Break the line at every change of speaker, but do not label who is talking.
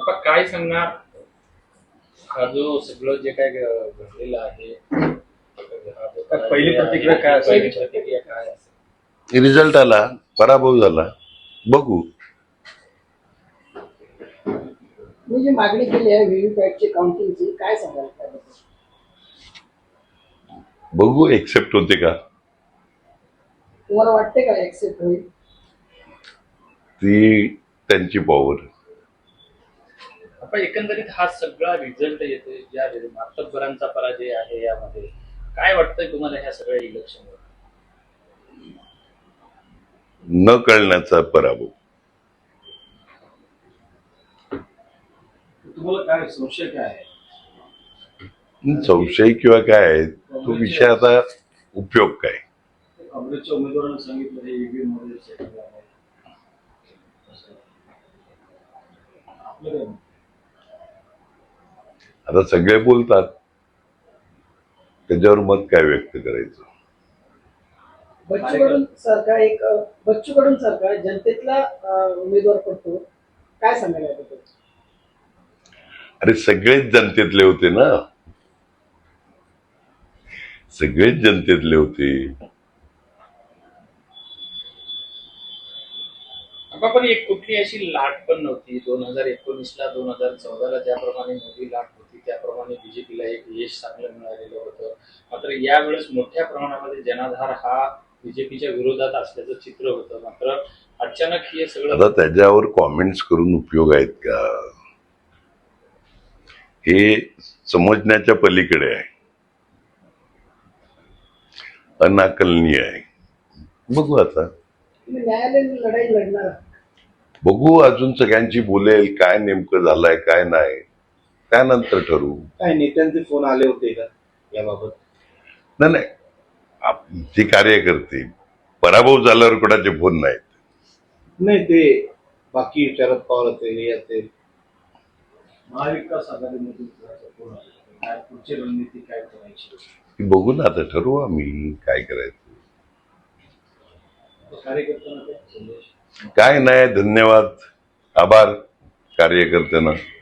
आपण काय सांगणार हा जो सगळं जे काय घडलेलं आहे
पहिली प्रतिक्रिया काय असेल?
प्रतिक्रिया काय असेल?
रिझल्ट आला, पराभव झाला, बघू.
मी जी मागणी केली आहे व्हीव्हीपॅटची काउंटिंगची काय सांगाल त्याबद्दल?
बघू एक्सेप्ट होते का.
तुम्हाला वाटते का ऍक्सेप्ट होईल?
ती त्यांची पॉवर.
आपण एकंदरीत हा सगळा रिझल्ट येतोय ज्या मातब्बरांचा पराजय आहे यामध्ये काय वाटतंय तुम्हाला ह्या सगळ्या इलेक्शनवर?
न कळण्याचा पराभव.
तुम्हाला काय संशय काय आहे?
संशय किंवा काय आहे, तो विषय आता उपयोग काय.
काँग्रेसच्या उमेदवारांनी सांगितलं हे ईव्हीएम मध्ये सेटिंग आहे. आपलं काय?
आता सगळे बोलतात, त्याच्यावर मत काय व्यक्त करायचं.
बच्चू कडून सरकार जनतेतला उमेदवार पडतो, काय सांगायला याबद्दल?
अरे सगळेच जनतेतले होते ना, सगळेच जनतेतले होते.
पण एक कुठली अशी लाट पण नव्हती 2019ला 2014ला ज्याप्रमाणे मोदी लाट होती त्याप्रमाणे बीजेपीला एक यश चांगलं मिळालेलं होतं. मात्र यावेळेस मोठ्या प्रमाणामध्ये जनाधार हा बीजेपीच्या विरोधात असल्याचं चित्र होतं. मात्र अचानक हे सगळं
आता त्याच्यावर कॉमेंट्स करून उपयोग आहेत का, हे समजण्याच्या पलीकडे आहे, अनाकलनीय आहे. बघू आता,
तुम्ही न्यायालयीन लढाई लढणार आहात?
बघू अजून सगळ्यांची बोलेल काय नेमकं झालंय काय नाही, त्यानंतर ठरवू.
काय नेत्यांचे फोन आले होते का याबाबत?
नाही, जे कार्यकर्ते पराभव झाल्यावर कोणाचे फोन नाहीत.
नाही, ते बाकी शरद पवार असेल हे असेल महाविकास आघाडीमधून फोन आले, काय पुढची रणनीती काय करायची
ती बघू ना, आता ठरवू आम्ही काय करायचं.
कार्यकर्त्यांना काय संदेश?
काय नाही, धन्यवाद, आभार कार्यकर्त्यांना.